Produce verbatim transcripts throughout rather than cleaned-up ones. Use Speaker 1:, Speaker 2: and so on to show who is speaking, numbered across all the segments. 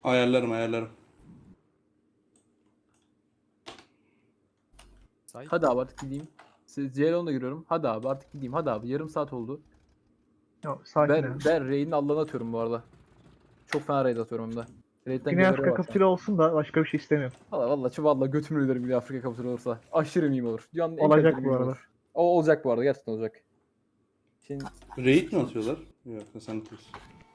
Speaker 1: Ayarlarım ayarlarım.
Speaker 2: Sahip
Speaker 3: Hadi abi artık gideyim. Siz Ceylan'la giriyorum. Hadi abi artık gideyim. Hadi abi yarım saat oldu.
Speaker 4: Yok, sakin
Speaker 3: Ben,
Speaker 4: abi.
Speaker 3: ben Raid'in Allah'ını atıyorum bu arada. Çok fena Raid atıyorum hem de. Raid'den
Speaker 4: Güney
Speaker 3: geliri
Speaker 4: Afrika
Speaker 3: var.
Speaker 4: kapitülü olsun da başka bir şey istemiyorum.
Speaker 3: Valla valla şu valla götümü öderim Güney Afrika kapitülü olursa. Aşırı meme olur. Dünyanın en
Speaker 4: Olacak
Speaker 3: kaliteli
Speaker 4: bu
Speaker 3: meme
Speaker 4: arada.
Speaker 3: olur. O olacak bu arada gerçekten olacak. Şimdi
Speaker 1: Raid mi atıyorlar? Yok sen atıyorsun.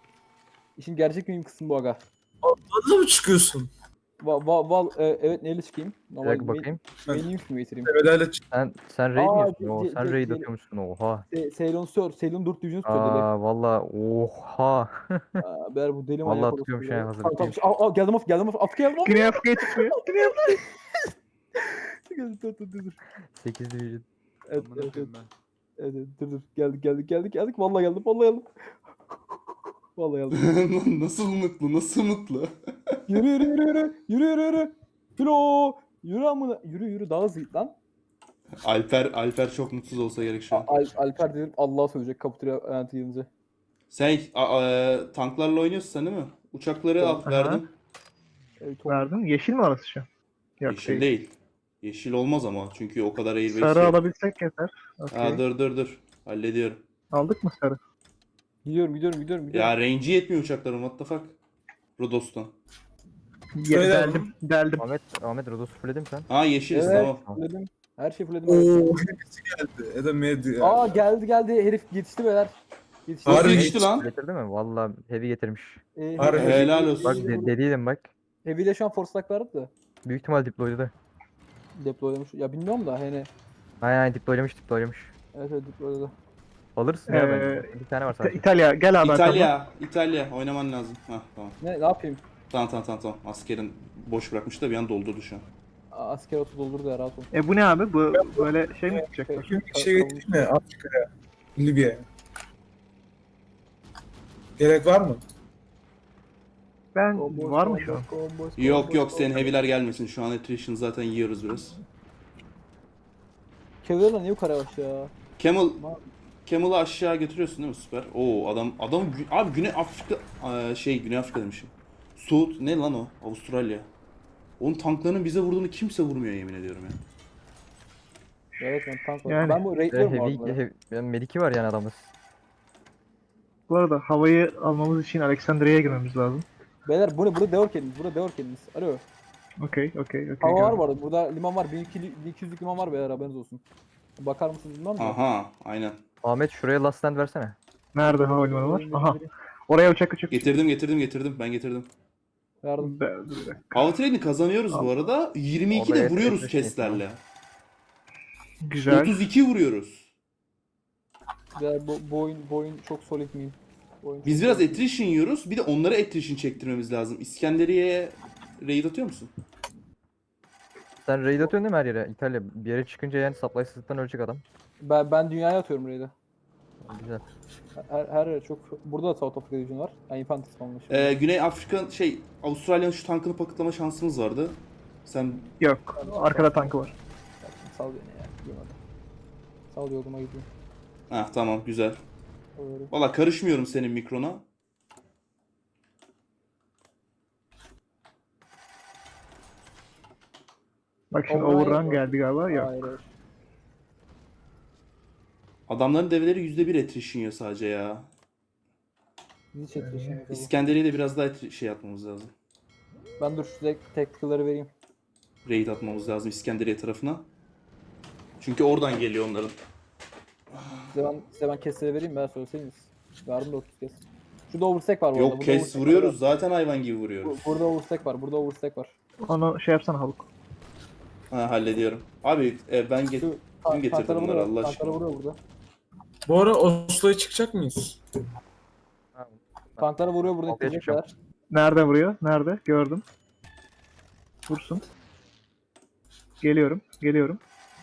Speaker 3: işin gerçek meme kısmı bu aga.
Speaker 5: Adla mı çıkıyorsun?
Speaker 3: Va, va, val, e, evet neyle çıkayım?
Speaker 6: Bir
Speaker 3: Normal
Speaker 6: dakika bakayım.
Speaker 3: Menüyüm mi getireyim?
Speaker 5: Temelerle çık.
Speaker 6: Sen sen raid mi
Speaker 3: Aa,
Speaker 6: yiyorsun? Oo,
Speaker 3: ce-
Speaker 6: sen
Speaker 3: ce-
Speaker 6: raid
Speaker 3: ce-
Speaker 6: atıyormuşsun. Oha.
Speaker 3: Se, Ceylon Sör, Ceylon dört Division Sör deli.
Speaker 6: Aa valla oha.
Speaker 3: Aa, Ber bu deli
Speaker 6: Vallahi
Speaker 3: manyak
Speaker 6: tutuyormuş
Speaker 3: orası.
Speaker 6: yani, hazır
Speaker 3: Tamam, tamam.
Speaker 6: biteyim.
Speaker 3: Aa, aa, geldim af geldim af Afrika geldim af.
Speaker 4: Güney Afrika'ya çıkmıyor. Güney Afrika.
Speaker 3: Geldim, dur dur dur. dur.
Speaker 6: sekiz division.
Speaker 3: Evet,
Speaker 2: Amına
Speaker 3: evet, evet.
Speaker 2: koyayım ben.
Speaker 3: Evet, evet, dur dur. Geldik geldik geldik geldik. Vallahi geldim vallahi geldim. Vallahi geldim.
Speaker 1: Nasıl mutlu nasıl mutlu.
Speaker 3: Yürü yürü yürü yürü. Yürü yürü yürü. Filo. Yürü amına. Yürü yürü daha hızlı git lan.
Speaker 1: Alper Alper çok mutsuz olsa gerek şu an.
Speaker 3: Al, Alper dedim Allah'a söyleyecek kapitüle ayantı gelince.
Speaker 1: Sen a- a- tanklarla oynuyorsun sen değil mi? Uçakları al
Speaker 4: Aha.
Speaker 1: verdim.
Speaker 3: Evet,
Speaker 4: Verdin. Yeşil mi orası şu an? Yok
Speaker 1: Yeşil
Speaker 4: değil.
Speaker 1: değil. Yeşil olmaz ama çünkü o kadar airbase
Speaker 4: Sarı
Speaker 1: yok.
Speaker 4: alabilsek yeter. Okey.
Speaker 1: Ha, dur dur dur. Hallediyorum.
Speaker 4: Aldık mı sarı?
Speaker 3: Gidiyorum gidiyorum gidiyorum gidiyorum.
Speaker 1: Ya range'i yetmiyor uçakların what the fuck. Rodos'tan.
Speaker 4: Ye-
Speaker 5: Öyle
Speaker 4: deldim. Deldim.
Speaker 6: Ahmet Ahmet Rodos'u fulledin mi sen?
Speaker 1: Ha yeşiliz
Speaker 3: Evet,
Speaker 1: tamam.
Speaker 3: fulledim. Her şey fulledim.
Speaker 5: Oo hepsi geldi. Ya da med.
Speaker 3: Aa geldi geldi herif yetişti beyler. Yetişti.
Speaker 1: Nasıl
Speaker 5: Harbi
Speaker 1: geçti lan?
Speaker 6: Getirdi mi? Valla heavy getirmiş.
Speaker 3: Ee,
Speaker 5: Harbi.
Speaker 3: heavy-
Speaker 1: Helal olsun.
Speaker 6: Bak
Speaker 3: heavy-
Speaker 6: de, dediydim bak.
Speaker 3: Heavy ile şu an force lock verdi de.
Speaker 6: Büyük ihtimal deployladı.
Speaker 3: Deploylamış. Ya bilmiyorum da hani.
Speaker 6: Aynen aynen deploylamış deploylamış.
Speaker 3: Evet evet deployladı.
Speaker 6: Alırsın ya
Speaker 4: Ee,
Speaker 6: bence. Bir tane var
Speaker 4: İta-
Speaker 6: sadece.
Speaker 4: İtalya gel abi arkamdan.
Speaker 1: İtalya. İtalya oynaman lazım. Hah tamam.
Speaker 3: Ne ne yapayım?
Speaker 1: Tamam tamam tamam tamam. Askerin boş bırakmış da bir an doldurdu şu an.
Speaker 3: Aa, asker otu doldurdu ya rahat ol.
Speaker 4: E bu ne abi? Bu böyle şey mi tutacaklar?
Speaker 5: Bir şey getireyim mi Afrika'ya? Libya'ya. Gerek var mı?
Speaker 4: Ben
Speaker 3: Combo,
Speaker 4: var mı
Speaker 3: combo,
Speaker 4: şu an?
Speaker 3: combo,
Speaker 1: Yok
Speaker 3: combo,
Speaker 1: yok senin
Speaker 3: combo.
Speaker 1: heavy'ler gelmesin. Şu an attrition zaten yiyoruz biraz.
Speaker 3: Cavalry'la niye bu kadar yavaş ya?
Speaker 1: Camel
Speaker 3: Ma-
Speaker 1: Camel'ı aşağı götürüyorsun değil mi? Süper. Oo adam adam Gü- abi Güney Afrika Aa, şey Güney Afrika demişim. Suud ne lan o? Avustralya. Onun tanklarının bize vurduğunu kimse vurmuyor yemin ediyorum ya.
Speaker 3: Evet ben tank var.
Speaker 4: Yani.
Speaker 3: Ben bu
Speaker 6: Ve
Speaker 3: raidliyorum bu
Speaker 6: heavy,
Speaker 3: arada.
Speaker 6: heavy, yani mediki var yani adamız.
Speaker 4: Bu arada havayı almamız için Alexandria'ya girmemiz lazım.
Speaker 3: Beyler bu ne? Burada deor kendiniz. Burada deor kendiniz. Alo.
Speaker 4: Okey, okey, okey.
Speaker 3: Hava var
Speaker 4: gördüm.
Speaker 3: bu arada. Burada liman var. bin iki yüzlük liman var beyler haberiniz olsun. Bakar mısınız bilmem mi?
Speaker 1: Aha aynen.
Speaker 6: Ahmet şuraya last stand versene.
Speaker 4: Nerede havalimanı var? Aha. Oraya uçak uçak.
Speaker 1: Getirdim getirdim getirdim ben getirdim.
Speaker 3: Yardım.
Speaker 4: Be- dur bir dakika.
Speaker 1: Outrade'i kazanıyoruz bu arada. yirmi iki de
Speaker 6: Oraya
Speaker 1: vuruyoruz
Speaker 6: attrition
Speaker 1: keslerle.
Speaker 4: Güzel.
Speaker 1: otuz iki vuruyoruz.
Speaker 3: Beyler bu, bu oyun, bu oyun çok solid miyim? Bu oyun çok
Speaker 1: Biz biraz
Speaker 3: solid.
Speaker 1: attrition yiyoruz. Bir de onlara attrition çektirmemiz lazım. İskenderiye'ye raid atıyor musun?
Speaker 6: Sen raid atıyorsun değil mi her yere? İtalya bir yere çıkınca yani supply'sızlıktan ölecek adam.
Speaker 3: Ben, ben dünyaya atıyorum raid'i.
Speaker 6: Güzel.
Speaker 3: Her, her yer çok... Burada da South Africa Division var. Yani Infantry spawnlı şimdi.
Speaker 1: Ee, Güney Afrika şey Avustralya'nın şu tankını paketleme şansımız vardı. Sen
Speaker 4: Yok. Arkada tankı var.
Speaker 3: Sal beni ya. Duymadım. Sal yoluma gidiyor.
Speaker 1: ha tamam güzel.
Speaker 3: Öyle.
Speaker 1: Valla karışmıyorum senin mikrona.
Speaker 4: Bak şimdi
Speaker 3: Overrun
Speaker 4: overrun
Speaker 3: yok.
Speaker 4: geldi galiba. Yok.
Speaker 3: Hayır hayır.
Speaker 1: Adamların develeri yüzde bir attrition yiyor sadece ya.
Speaker 3: Bizi çekiyor şimdi. tabii.
Speaker 1: İskenderiye'de biraz daha attri- şey yapmamız lazım.
Speaker 3: Ben dur size tactical'ları vereyim.
Speaker 1: Raid atmamız lazım İskenderiye tarafına. Çünkü oradan geliyor onların.
Speaker 3: Size ben, size ben kesleri vereyim ben söyleseydiniz. Verdim de otuz kes. Şurada overstack var bu arada.
Speaker 1: Yok
Speaker 3: burada
Speaker 1: kes
Speaker 3: overstack
Speaker 1: vuruyoruz
Speaker 3: var.
Speaker 1: zaten hayvan gibi
Speaker 3: Bu-
Speaker 1: vuruyoruz.
Speaker 3: Burada overstack var. Burada overstack var.
Speaker 4: Onu şey yapsana Haluk.
Speaker 1: Ha hallediyorum. Abi e, ben get
Speaker 3: Şu
Speaker 1: kim
Speaker 3: ta-
Speaker 1: getirdi
Speaker 3: tanklara
Speaker 1: bunları
Speaker 3: vuruyor,
Speaker 1: Allah
Speaker 3: tanklara
Speaker 1: aşkına.
Speaker 3: vuruyor burada.
Speaker 5: Bu ara Oslo'ya çıkacak mıyız?
Speaker 3: Tanklara vuruyor burada
Speaker 6: Altıya
Speaker 3: ittirecekler.
Speaker 4: Nerede vuruyor? Nerede? Gördüm. Vursun. Geliyorum. Geliyorum.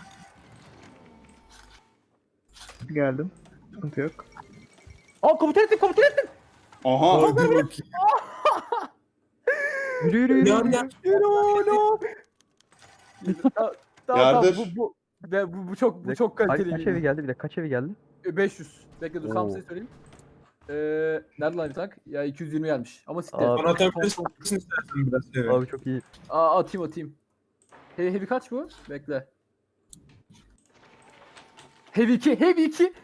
Speaker 4: Geldim. Sıkıntı yok.
Speaker 3: Aa komutan ettim komutan ettim.
Speaker 1: Aha.
Speaker 5: Hadi bakayım.
Speaker 6: Yürü yürü yürü.
Speaker 5: Yan
Speaker 6: yürü.
Speaker 5: yan.
Speaker 3: Yürü oğlum. Tamam tamam
Speaker 1: Yardır.
Speaker 3: bu, bu, bu, bu, bu çok
Speaker 6: Bir
Speaker 3: bu
Speaker 6: de
Speaker 3: çok
Speaker 6: kaç,
Speaker 3: kaliteli.
Speaker 6: kaç evi geldi bir de kaç evi geldi?
Speaker 3: beş yüz. Bekle dur tam
Speaker 6: Oo.
Speaker 3: size söyleyeyim. Ee, nerede lan bir tank? Ya iki yüz yirmi gelmiş. Ama siktir.
Speaker 6: Abi.
Speaker 5: Bana atabilirsin istersen biraz. Evet.
Speaker 6: Abi çok iyi.
Speaker 3: Aa, atayım atayım. He heavy kaç bu? Bekle. Heavy iki, heavy iki.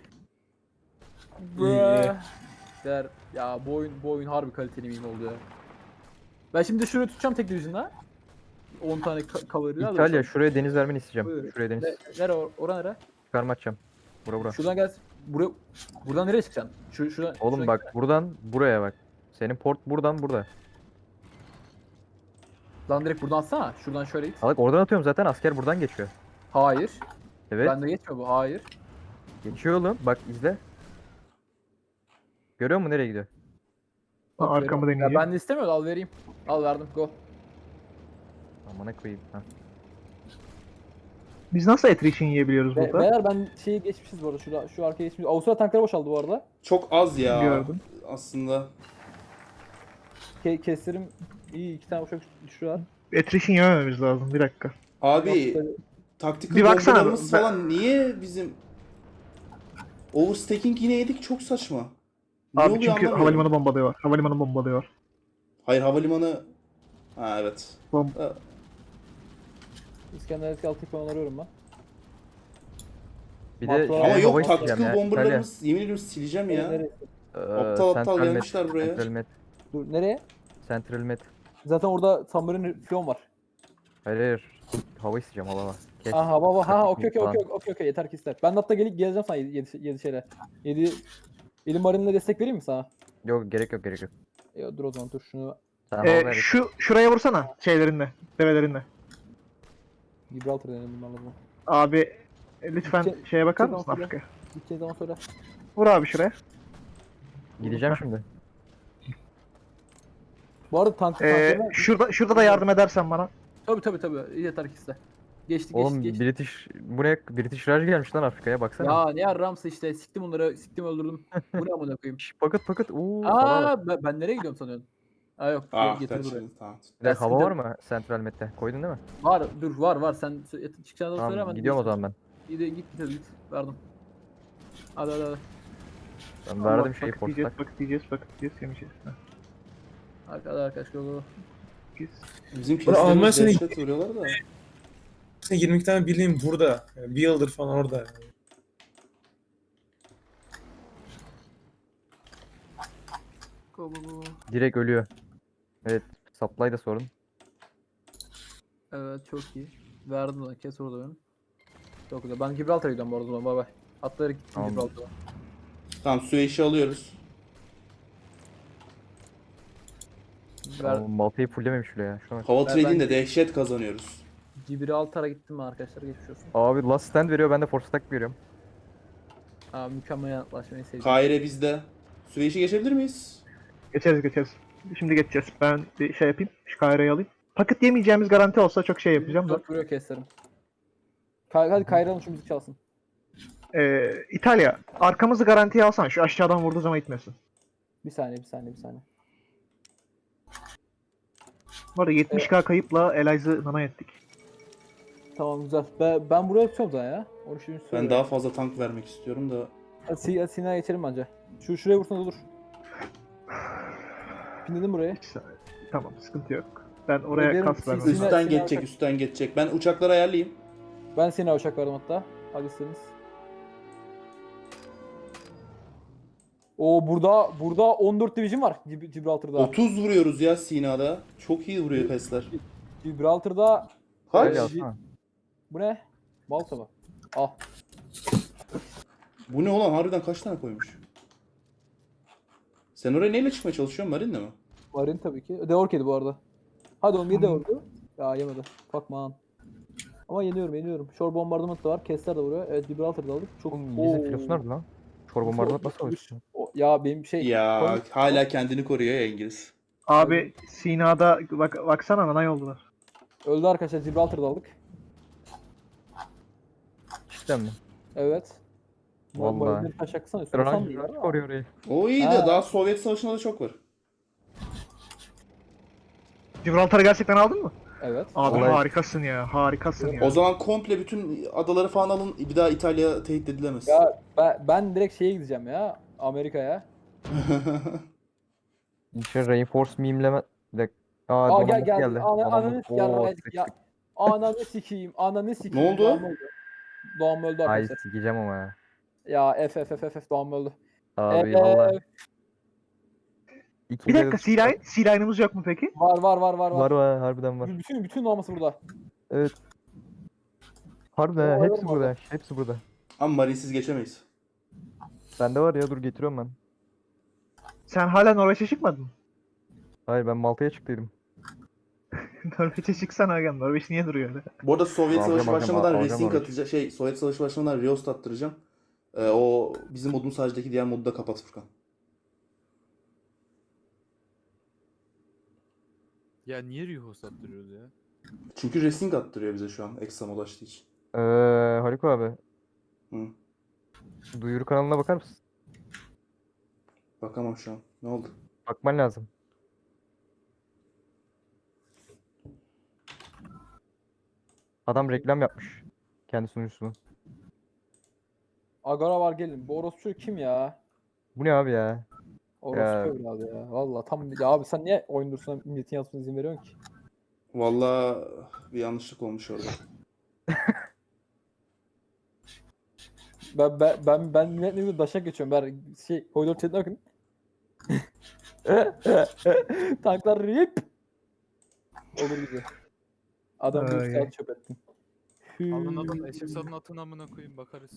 Speaker 5: İyi.
Speaker 3: Der. Ya bu oyun, bu oyun harbi kaliteli miyim oldu ya. Ben şimdi şurayı tutacağım tek division'la. on tane ka- cover'ı
Speaker 6: İtalya şuraya deniz vermeni isteyeceğim.
Speaker 3: Buyur.
Speaker 6: Şuraya deniz
Speaker 3: Ne, nere or ora nere?
Speaker 6: çıkarma atacağım. Bura bura.
Speaker 3: Şuradan gel. Buraya buradan nereye çıkacaksın? Şu şuradan.
Speaker 6: Oğlum
Speaker 3: şuradan
Speaker 6: bak
Speaker 3: gel.
Speaker 6: buradan buraya bak. Senin port buradan burada.
Speaker 3: Lan direkt buradan atsana. Şuradan şöyle git.
Speaker 6: Bak oradan atıyorum zaten asker buradan geçiyor.
Speaker 3: Hayır.
Speaker 6: Evet.
Speaker 3: Bende geçmiyor bu. Hayır.
Speaker 6: Geçiyor oğlum. Bak izle. Görüyor musun nereye gidiyor?
Speaker 3: Bak,
Speaker 4: Arkamı
Speaker 3: veriyorum.
Speaker 4: deneyeceğim.
Speaker 3: Ya ben de istemiyorum. Al vereyim. Al verdim. Go.
Speaker 6: Amına koyayım. Ha.
Speaker 4: Biz nasıl attrition yiyebiliyoruz
Speaker 3: Be
Speaker 4: burada?
Speaker 3: beyler ben şeyi geçmişiz bu arada. Şurada, şu arkaya geçmişiz. Avusturya tankları boşaldı bu arada.
Speaker 1: Çok az ya.
Speaker 4: Gördüm.
Speaker 1: Aslında.
Speaker 3: Ke kestirim iyi. iki tane boşak düşürüyorlar.
Speaker 4: Attrition yemememiz lazım. Bir dakika.
Speaker 1: Abi taktikal
Speaker 4: Bir baksana,
Speaker 1: bombalarımız
Speaker 4: ben-
Speaker 1: falan niye bizim overstacking yine yedik, çok saçma. Ne
Speaker 4: Abi
Speaker 1: oluyor
Speaker 4: çünkü
Speaker 1: anlamıyorum.
Speaker 4: havalimanı bombalıyor. Havalimanı bombalıyor.
Speaker 1: Hayır, havalimanı. Ha evet.
Speaker 4: Bom
Speaker 1: Ha,
Speaker 3: İskender eski altı falan arıyorum ben.
Speaker 6: Bir de
Speaker 3: Ama
Speaker 6: şey,
Speaker 1: Ama
Speaker 6: hava
Speaker 1: yok,
Speaker 6: isteyeceğim
Speaker 1: taktikal
Speaker 6: ya,
Speaker 1: bomberlarımız yemin ediyorum sileceğim ya.
Speaker 3: Nereye?
Speaker 6: Ee,
Speaker 1: Aptal aptal
Speaker 6: Central Med,
Speaker 1: gelmişler buraya.
Speaker 6: Central Med.
Speaker 3: Dur nereye?
Speaker 6: Central Med.
Speaker 3: Zaten orada Submarine Flon var.
Speaker 6: Hayır hayır. Hava isteyeceğim hava. Kes.
Speaker 3: Aha baba ha okey okey
Speaker 6: Falan.
Speaker 3: okey okey okey yeter ki ister. Ben de hatta gelip geleceğim sana yedi şeyle. yedi Elim Marine'le destek vereyim mi sana?
Speaker 6: Yok gerek yok gerek yok.
Speaker 3: Ya dur o zaman dur şunu
Speaker 6: Sen hava
Speaker 4: Ee,
Speaker 6: ver.
Speaker 4: şu şuraya vursana şeylerinle, develerinle.
Speaker 3: Gibraltar denelim bunlarla bunu.
Speaker 4: Abi e, lütfen
Speaker 3: Gidece-
Speaker 4: şeye bakar
Speaker 3: gideceğim
Speaker 4: mısın
Speaker 3: sonra.
Speaker 4: Afrika'ya?
Speaker 3: Gideceğiz zaman söyle.
Speaker 4: Vur abi şuraya.
Speaker 6: Gideceğim şimdi.
Speaker 3: Bu arada tank
Speaker 4: Ee,
Speaker 3: tanklarına...
Speaker 4: şurada şurada da yardım edersen bana.
Speaker 3: Tabii tabii tabii yeter ki iste. Geçti
Speaker 6: Oğlum
Speaker 3: geçti geçti.
Speaker 6: British bu ne? British Raj gelmiş lan Afrika'ya baksana.
Speaker 3: Ya ne yarramsa işte siktim onları siktim öldürdüm. Bu ne amına koyayım.
Speaker 6: Şş, paket paket. Uuu. hava var.
Speaker 3: Aa ben, ben nereye gidiyorum sanıyorsun? Aa yok
Speaker 1: Ah
Speaker 3: getir
Speaker 1: kaç
Speaker 3: buraya.
Speaker 1: tamam.
Speaker 6: Bir de
Speaker 3: Ben
Speaker 6: hava var
Speaker 3: sıkıntı-
Speaker 6: mı Central Med'de? Koydun değil mi?
Speaker 3: Var dur var var sen sö- çıkacağını da söyle
Speaker 6: Tamam
Speaker 3: hemen.
Speaker 6: gidiyorum o zaman ben.
Speaker 3: Git git git git verdim. Hadi hadi hadi.
Speaker 6: Ben verdim
Speaker 4: Allah,
Speaker 6: şeyi
Speaker 4: bakıt yiyeceğiz,
Speaker 6: portak.
Speaker 4: bakıt yiyeceğiz, bakıt yiyeceğiz, yemeyeceğiz. Heh,
Speaker 3: Hadi hadi arkadaş go go.
Speaker 4: biz-
Speaker 1: Bizim
Speaker 5: Ulan Alman
Speaker 1: keslerimiz
Speaker 5: seni-
Speaker 1: dehşet vuruyorlar da.
Speaker 5: Sen yirmi iki tane birliğin burada. Yani bir yıldır falan orada.
Speaker 3: Go go go.
Speaker 6: Direkt ölüyor. Evet. Supply da sorun.
Speaker 3: Evet çok iyi. Verdim lan kes orada benim. Çok güzel. Ben Gibraltar'a gidiyorum bu arada o zaman bay bay. Atlayarak gittim
Speaker 6: Tamam.
Speaker 3: Gibraltar'a.
Speaker 1: Tamam, Süveyş'i alıyoruz.
Speaker 3: Ver,
Speaker 6: Ver. Malta'yı fulllememiş bile ya. Şu an.
Speaker 1: Hava
Speaker 3: Ben-
Speaker 1: trading'de
Speaker 3: ben-
Speaker 1: dehşet kazanıyoruz.
Speaker 3: Gibraltar'a gittim mi arkadaşlar geçmiş olsun.
Speaker 6: Abi last stand veriyor ben de force attack veriyorum.
Speaker 3: Aa mükemmel yanıtlaşmayı sevdim.
Speaker 1: Kaire bizde. Süveyş'i geçebilir miyiz?
Speaker 4: Geçeriz geçeriz. Şimdi geçeceğiz. Ben bir şey yapayım. Şu Kayra'yı alayım. Paket yemeyeceğimiz garanti olsa çok şey yapacağım da.
Speaker 3: Dört vuruyor keslerim. Kay hadi Kayra'nın şu müzik çalsın.
Speaker 4: Ee, İtalya, arkamızı garantiye alsan. Şu aşağıdan vurduğu zaman itmesin.
Speaker 3: Bir saniye bir saniye bir saniye.
Speaker 4: Bu arada yetmiş K kayıpla Elize'ı nana ettik.
Speaker 3: Tamam güzel. Ben, ben buraya tutuyorum zaten ya. Onu şimdi
Speaker 1: Ben
Speaker 3: söyle.
Speaker 1: daha fazla tank vermek istiyorum da.
Speaker 3: Hadi, Si- hadi Sinan'a geçelim bence. Şu şuraya vursan olur. Pinledim buraya.
Speaker 4: Bir saniye. Tamam, sıkıntı yok. Ben oraya
Speaker 3: Ederim,
Speaker 4: kas
Speaker 3: siz-
Speaker 4: vermem.
Speaker 3: siz-
Speaker 4: lazım.
Speaker 1: Üstten
Speaker 3: Sinan
Speaker 1: geçecek,
Speaker 3: Atak-
Speaker 1: üstten geçecek. Ben uçakları ayarlayayım.
Speaker 3: Ben Sinan'a uçak verdim hatta. Hadi istediniz. Oo burada burada on dört division var Gib- Gibraltar'da.
Speaker 1: otuz vuruyoruz ya Sina'da. Çok iyi vuruyor pesler.
Speaker 3: Gibraltar'da
Speaker 1: Kaç?
Speaker 6: Öyle alsana.
Speaker 3: bu ne? Malta mı? Ah.
Speaker 1: Bu ne ulan? Harbiden kaç tane koymuş? Sen oraya neyle çıkmaya çalışıyorsun? Marine'le mi?
Speaker 3: Marin tabii ki. Deork yedi bu arada. Hadi oğlum yedi Deork'u. Ya yemedi. Fuck man. Ama yeniyorum yeniyorum. Shore bombardment da var. Kessler de vuruyor. Evet Gibraltar'da aldık. Çok
Speaker 6: Oğlum İngiliz'in
Speaker 3: Oo.
Speaker 6: filosu nerede lan? Çor bombardıman nasıl alıyorsun?
Speaker 3: O- Ya benim şey.
Speaker 1: Ya
Speaker 3: Koy-
Speaker 1: hala kendini koruyor ya İngiliz.
Speaker 4: Abi Sina'da bak baksana nanay oldular.
Speaker 3: Öldü arkadaşlar. Gibraltar'da aldık.
Speaker 6: Cidden mi?
Speaker 3: Evet.
Speaker 6: Vallahi.
Speaker 3: Marinleri taş yaksana. Üstüne
Speaker 6: Raj,
Speaker 3: san değil
Speaker 6: Raj
Speaker 3: ama.
Speaker 6: koruyor orayı.
Speaker 1: O iyi de
Speaker 3: Ha.
Speaker 1: daha Sovyet Savaşı'nda da çok var.
Speaker 4: Gibraltar'ı gerçekten aldın mı?
Speaker 3: Evet.
Speaker 4: Abi
Speaker 6: Olay-
Speaker 4: harikasın ya, harikasın ya.
Speaker 1: O zaman komple bütün adaları falan alın. Bir daha İtalya tehdit edilemez.
Speaker 3: Ya ben, ben direkt şeye gideceğim ya. Amerika'ya.
Speaker 6: İşte reinforce meme'leme. Bir dakika. Aa,
Speaker 3: Aa
Speaker 6: donanma
Speaker 3: gel geldi.
Speaker 6: geldi.
Speaker 3: Ana,
Speaker 6: Donanma-
Speaker 3: ananı
Speaker 6: Oo,
Speaker 3: sikeyim.
Speaker 6: sık
Speaker 3: Ya,
Speaker 6: sık.
Speaker 3: ananı sikeyim. Ananı sikeyim.
Speaker 1: oldu?
Speaker 3: Doğan öldü. Doğan öldü
Speaker 6: Ay
Speaker 3: arkadaşlar.
Speaker 6: sikeceğim ama ya.
Speaker 3: Ya F F F F F Doğan öldü.
Speaker 6: Abi
Speaker 3: Ee,
Speaker 6: valla.
Speaker 4: Bir
Speaker 6: İki
Speaker 4: dakika
Speaker 6: level
Speaker 4: C-Line. C-Line'ımız yok mu peki?
Speaker 3: Var var var var
Speaker 6: var
Speaker 3: var.
Speaker 6: var harbiden var.
Speaker 3: Bütün bütün doğması burada.
Speaker 6: Evet. Harbiden ha,
Speaker 3: Var,
Speaker 6: hepsi
Speaker 3: var,
Speaker 6: burada.
Speaker 3: var.
Speaker 6: Hepsi burada.
Speaker 1: Ama marinsiz geçemeyiz.
Speaker 6: Bende var ya, dur getiriyorum ben.
Speaker 4: Sen hala Norveç'e çıkmadın mı?
Speaker 6: Hayır, ben Malta'ya çıktıydım.
Speaker 4: Norveç'e çıksana Hakan. Norveç niye duruyor öyle?
Speaker 1: Bu arada Sovyet
Speaker 6: Alacağım,
Speaker 1: Savaşı
Speaker 6: alacağım,
Speaker 1: başlamadan
Speaker 6: alacağım
Speaker 1: Racing
Speaker 6: Norveç.
Speaker 1: atacağım. Şey, Sovyet Savaşı başlamadan Reost attıracağım. Ee, o bizim modun sadece diğer modu da kapat Furkan.
Speaker 2: Ya niye Riho sattırıyoruz ya?
Speaker 1: Çünkü Racing attırıyor bize şu an ekstra mod açtığı için.
Speaker 6: Ee, Haluk abi.
Speaker 1: Hı.
Speaker 6: Duyuru kanalına bakar mısın?
Speaker 1: Bakamam şu an. Ne oldu?
Speaker 6: Bakman lazım. Adam reklam yapmış. Kendi sunucusunu.
Speaker 3: Agora var gelin. Bu orospu kim ya?
Speaker 6: Bu ne abi ya?
Speaker 3: Orospu
Speaker 6: Ya.
Speaker 3: evladı ya. Valla tam ya abi sen niye oyun durusuna milletin yazmasına izin veriyorsun ki?
Speaker 1: Vallahi bir yanlışlık olmuş orada.
Speaker 3: Ben ben ben ben milletle ilgili daşak geçiyorum. Ben şey koridor chat'ine bakın. Tanklar rip. Olur gibi. Adam bir
Speaker 4: Ay.
Speaker 3: saat çöp ettim.
Speaker 2: Alın alın eşek salın atın amına koyayım bakarız.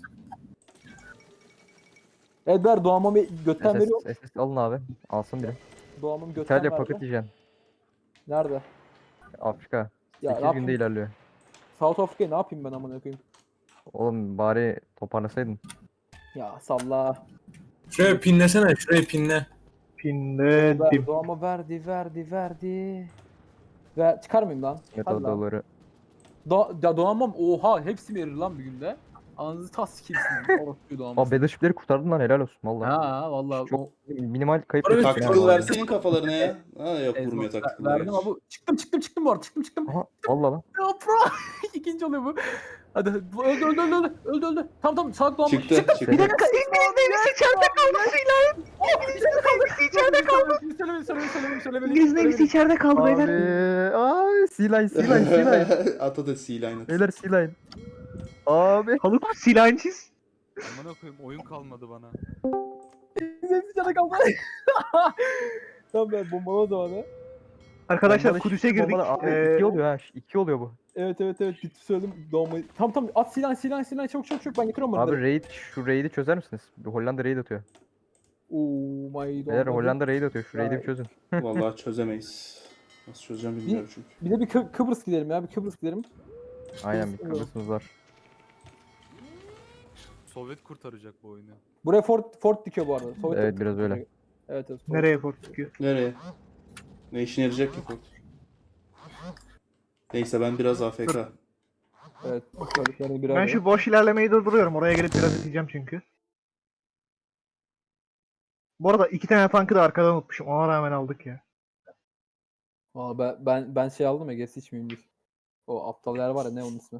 Speaker 3: Edber doğamamı götten veriyor.
Speaker 6: S S, S S alın abi. Alsın biri.
Speaker 3: Doğamamı götten
Speaker 6: İtalya
Speaker 3: verdi.
Speaker 6: paket yiyeceksin.
Speaker 3: Nerede?
Speaker 6: Afrika.
Speaker 3: Ya
Speaker 6: sekiz
Speaker 3: ne
Speaker 6: günde
Speaker 3: yapayım?
Speaker 6: ilerliyor.
Speaker 3: South Africa'yı ne yapayım ben amına koyayım?
Speaker 6: Oğlum bari toparlasaydın.
Speaker 3: Ya salla.
Speaker 5: Şuraya pinlesene, şuraya pinle.
Speaker 4: Pinledim.
Speaker 3: Ver, doğama verdi verdi verdi. Ver, çıkar mıyım lan?
Speaker 6: Evet,
Speaker 3: Hadi
Speaker 6: o
Speaker 3: lan.
Speaker 6: doları.
Speaker 3: Do ya doğamam oha hepsi verir lan bir günde. Anınızı tas sikeyim orospu doğamam.
Speaker 6: Aa, Battleship'leri kurtardın lan, helal olsun valla.
Speaker 3: Ha vallahi
Speaker 6: Çok
Speaker 3: o
Speaker 6: minimal kayıp
Speaker 5: Harbi
Speaker 6: ettik
Speaker 1: Tactical
Speaker 6: yani.
Speaker 1: verseydin kafalarına ya. Ha yok
Speaker 3: Ezma-
Speaker 1: vurmuyor tactical.
Speaker 3: verdim
Speaker 1: gerçi.
Speaker 3: ama bu çıktım çıktım çıktım bu arada çıktım çıktım.
Speaker 6: Aha, valla lan.
Speaker 3: Ya pro ikinci oluyor bu. Hadi hadi. Bu öldü öldü öldü öldü öldü öldü. Tamam tamam salak doğamam.
Speaker 1: Çıktı çıktı.
Speaker 4: Bir dakika İngiliz Navy içeride kaldı C-Line. İngiliz Navy içeride kaldı.
Speaker 3: Söyleme söyleme söyleme söyleme.
Speaker 4: İngiliz Navy içeride kaldı
Speaker 6: Abi,
Speaker 4: beyler.
Speaker 6: ay, C-Line, C-Line, C-Line.
Speaker 1: At hadi C-Line at.
Speaker 6: Beyler C-Line. Abi.
Speaker 4: Haluk C-Line çiz.
Speaker 2: Amına koyayım oyun kalmadı bana.
Speaker 3: Hepsi cana kaldı. Tamam ben bombala da bana.
Speaker 4: Arkadaşlar
Speaker 6: Bombada
Speaker 4: Kudüs'e
Speaker 6: şi-
Speaker 4: girdik.
Speaker 6: bombada- Abi,
Speaker 4: Ee,
Speaker 6: iki oluyor ha. iki oluyor bu.
Speaker 3: Evet evet evet bitti söyledim doğmayı. Tamam tamam at silah silah silah çok çok çok ben getiriyorum
Speaker 6: Abi
Speaker 3: bunları.
Speaker 6: raid, şu raid'i çözer misiniz? Bir Hollanda raid atıyor.
Speaker 3: Oh my
Speaker 6: Beyler
Speaker 3: god.
Speaker 6: Hollanda raid atıyor. Şu raid'i
Speaker 3: Ya.
Speaker 6: bir çözün.
Speaker 1: Vallahi çözemeyiz. Nasıl çözeceğim bilmiyorum çünkü.
Speaker 3: Bir de bir Kı- Kıbrıs gidelim ya bir Kıbrıs gidelim.
Speaker 6: Aynen, bir
Speaker 3: Kıbrıs-
Speaker 6: Kıbrıs'ımız var.
Speaker 2: Sovyet kurtaracak bu oyunu.
Speaker 3: Buraya fort fort dikiyor bu arada. Sovyet
Speaker 6: Evet, biraz öyle.
Speaker 3: Evet evet.
Speaker 4: Nereye port çıkıyor?
Speaker 1: Nereye? Ne işine yarayacak ki Ford? Neyse ben biraz A F K.
Speaker 3: Evet. Söylediklerini birer
Speaker 4: Ben
Speaker 3: birer.
Speaker 4: şu boş ilerlemeyi durduruyorum. Oraya gelip biraz iteceğim çünkü. Bu arada iki tane tankı da arkadan unutmuşum. Ona rağmen aldık ya.
Speaker 3: Valla ben, ben ben şey aldım ya gerisi hiç mühim değil. O aptal yer var ya ne onun ismi?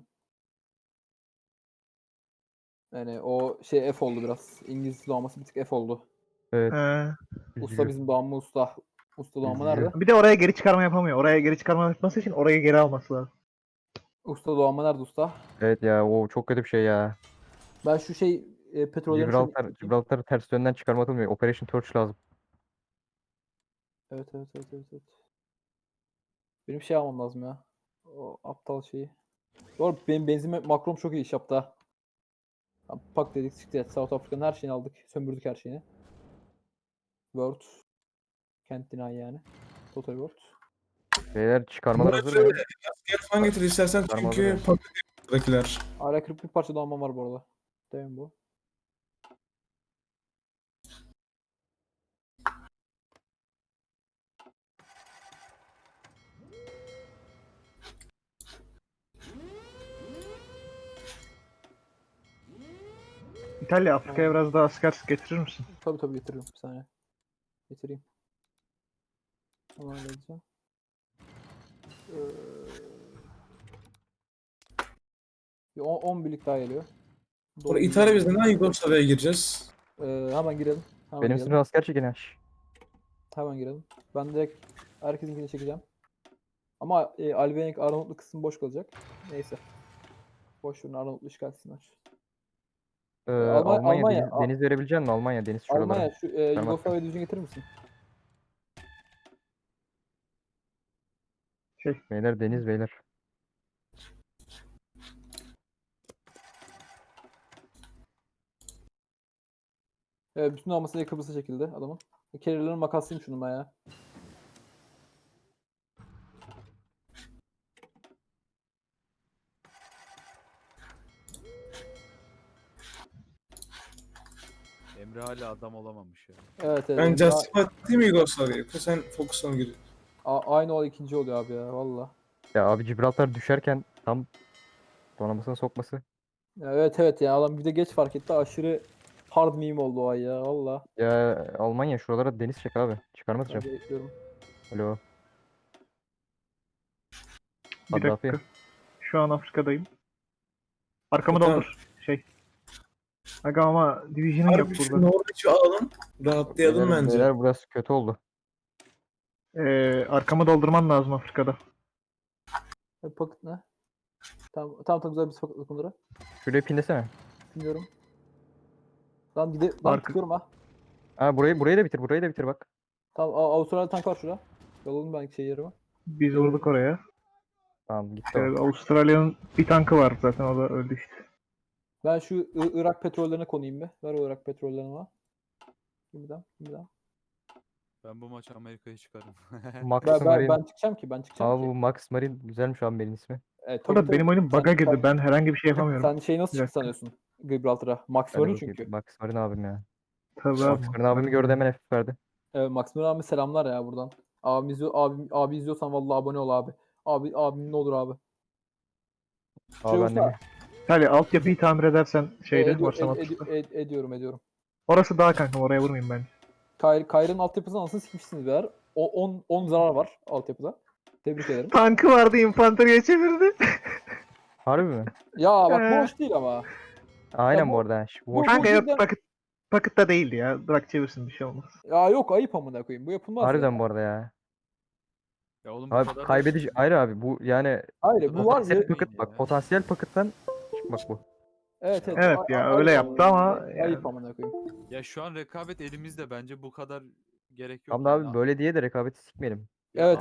Speaker 3: Yani o şey F oldu biraz. İngiliz doğaması bir tık F oldu.
Speaker 6: Evet.
Speaker 4: Ee,
Speaker 3: Usta
Speaker 6: üzücü.
Speaker 3: bizim doğamı usta. Usta doğamı
Speaker 6: Üzücü.
Speaker 3: nerede?
Speaker 4: bir de oraya geri çıkarma yapamıyor. Oraya geri çıkarma yapması için oraya geri alması lazım.
Speaker 3: Usta doğamı nerede usta?
Speaker 6: Evet ya, o çok kötü bir şey ya.
Speaker 3: Ben şu şey e, petrollerin
Speaker 6: Gibraltar, Gibraltar'ı ters yönden çıkarma atılmıyor. Operation Torch lazım.
Speaker 3: Evet evet evet evet. evet. Benim şey almam lazım ya. O aptal şeyi. Doğru benim benzin makrom çok iyi iş yaptı ha. Tamam, Pak dedik çıktı ya. South Africa'nın her şeyini aldık. Sömürdük her şeyini. Word. Kent deny yani. Total Word.
Speaker 6: Beyler çıkarmalar hazır mı?
Speaker 5: Asker falan getir istersen
Speaker 6: Tamam,
Speaker 5: çünkü
Speaker 6: hazır.
Speaker 5: patladılar.
Speaker 3: Hala kırk bir parça doğamam var bu arada. Değil mi bu?
Speaker 4: İtalya Afrika'ya biraz daha asker getirir misin?
Speaker 3: Tabii tabii getiririm bir saniye. Getireyim. Onu halledeceğim. Ee, bir on birlik daha geliyor.
Speaker 5: Sonra İtalya bizden daha Yugoslavya'ya gireceğiz.
Speaker 3: Ee, hemen girelim. Hemen
Speaker 6: Benim
Speaker 3: girelim.
Speaker 6: sınır asker çekin yaş.
Speaker 3: Hemen girelim. Ben direkt herkesinkini çekeceğim. Ama e, Albenik Arnavutlu kısmı boş kalacak. Neyse. Boş verin, Arnavutlu işgal etsinler.
Speaker 6: Ee,
Speaker 3: Almanya-
Speaker 6: Almanya,
Speaker 3: Almanya,
Speaker 6: deniz,
Speaker 3: A-
Speaker 6: deniz verebilecek misin? Almanya deniz şuralara.
Speaker 3: Almanya şu e,
Speaker 6: Fermat.
Speaker 3: Yugoslavya düzgün getirir misin?
Speaker 6: Beyler deniz beyler.
Speaker 3: E, bütün almasıyla Kıbrıs'a çekildi adamın. Carrier'ların makaslıyım şunu ben ya.
Speaker 2: Emre hala adam olamamış ya.
Speaker 3: Evet evet.
Speaker 5: Ben
Speaker 3: Emre-
Speaker 5: Justify değil mi Yugoslavya'ya? Yoksa sen Focus'a mı gidiyorsun?
Speaker 3: A- aynı o ikinci oluyor abi ya valla.
Speaker 6: Ya abi Gibraltar düşerken tam donanmasına sokması.
Speaker 3: Ya evet evet ya adam bir de geç fark etti, aşırı hard meme oldu o ay ya valla.
Speaker 6: Ya Almanya şuralara deniz çek abi. Çıkarmaz
Speaker 3: Ben
Speaker 6: hocam.
Speaker 3: bekliyorum.
Speaker 6: Alo.
Speaker 4: Bir
Speaker 6: Kaddafi.
Speaker 4: dakika. Şu an Afrika'dayım. Arkamı
Speaker 5: Tamam.
Speaker 4: doldur. Şey. Aga ama Division'ın yok
Speaker 5: Harbi şu
Speaker 4: burada.
Speaker 5: Norveç'i alalım. Rahatlayalım
Speaker 6: Beyler,
Speaker 5: bence.
Speaker 6: beyler burası kötü oldu.
Speaker 4: Ee, arkamı doldurman lazım Afrika'da.
Speaker 3: E, Pocket ne? Tamam tamam tamam güzel bir pocketlık bunları.
Speaker 6: Şuraya pinlesene.
Speaker 3: Bilmiyorum. Lan gide lan
Speaker 4: Arka-
Speaker 3: tıkıyorum ha.
Speaker 6: Ha burayı burayı da bitir. Burayı da bitir bak.
Speaker 3: Tamam A- Avustralya tank var şurada. Yolladım ben şey yerime.
Speaker 4: Biz vurduk oraya.
Speaker 6: Tamam gitti
Speaker 4: Ee,
Speaker 6: o.
Speaker 4: Avustralya'nın bir tankı var zaten, o da öldü işte.
Speaker 3: Ben şu I- Irak petrollerine konayım bir. Ver o Irak petrollerini bana. Bir daha, bir daha.
Speaker 2: Ben bu maç Amerika'yı çıkarım.
Speaker 6: Max
Speaker 3: Ben, ben,
Speaker 6: Marine.
Speaker 3: ben çıkacağım ki ben çıkacağım
Speaker 6: Abi
Speaker 3: ki.
Speaker 6: bu Max Marine güzelmiş abi benim ismi.
Speaker 3: Evet,
Speaker 4: Burada benim oyunum
Speaker 3: Sen-
Speaker 4: bug'a girdi.
Speaker 3: sen-
Speaker 4: Ben herhangi bir şey yapamıyorum.
Speaker 3: Sen şey nasıl
Speaker 4: Bir
Speaker 3: çıktı
Speaker 4: dakika.
Speaker 3: sanıyorsun Gibraltar'a? Max
Speaker 6: Hadi
Speaker 3: Marine
Speaker 6: bakayım.
Speaker 3: çünkü.
Speaker 6: Max Marine abim ya.
Speaker 4: Tabii abi.
Speaker 6: Max Marine abimi gördü hemen F verdi.
Speaker 3: Evet, Max Marine abi selamlar ya buradan. Abi, izliyor, abi, abi izliyorsan vallahi abone ol abi. Abi abim ne olur abi.
Speaker 6: Abi ben de
Speaker 3: olsa-
Speaker 6: mi?
Speaker 4: Hadi altyapıyı tamir edersen
Speaker 3: E,
Speaker 4: şeyde
Speaker 3: edi-
Speaker 4: Warsaw
Speaker 3: ed- ed-
Speaker 4: Matrix'te.
Speaker 3: ed- ediyorum ediyorum.
Speaker 4: Orası daha kankam, oraya vurmayayım ben.
Speaker 3: Kayr, Kayr'ın altyapısını anasını sikmişsiniz beyler. O on on zarar var altyapıda. Tebrik ederim.
Speaker 4: Tankı vardı, infanteriye çevirdi.
Speaker 6: Harbi mi?
Speaker 3: Ya bak bu
Speaker 4: Ee.
Speaker 3: hoş değil ama.
Speaker 6: Aynen
Speaker 3: bu-
Speaker 6: bu arada. Şu
Speaker 3: bu-
Speaker 6: boş-
Speaker 4: Kanka yok,
Speaker 3: cidden-
Speaker 4: paket, pakette değildi ya. Bırak çevirsin, bir şey olmaz.
Speaker 3: Ya yok ayıp amına koyayım. Bu yapılmaz
Speaker 6: Harbiden
Speaker 3: ya.
Speaker 6: bu arada ya.
Speaker 2: Ya oğlum bu
Speaker 6: Abi
Speaker 2: kadar da
Speaker 6: kaybedici.
Speaker 2: şey-
Speaker 6: Hayır abi bu yani
Speaker 3: Hayır bu var
Speaker 6: potansiyel
Speaker 3: ya.
Speaker 6: paket bak. Potansiyel pakettan çıkmak bu.
Speaker 3: Evet evet.
Speaker 4: Evet
Speaker 3: a-
Speaker 4: ya,
Speaker 3: a-
Speaker 4: öyle
Speaker 3: ayıp
Speaker 4: yaptı ama
Speaker 3: Ayıp
Speaker 4: yani.
Speaker 3: amına koyayım.
Speaker 2: Ya şu an rekabet elimizde, bence bu kadar gerek yok.
Speaker 6: Tamam da
Speaker 2: yani.
Speaker 6: abi böyle diye de rekabeti sikmeyelim.
Speaker 2: Ya
Speaker 3: Evet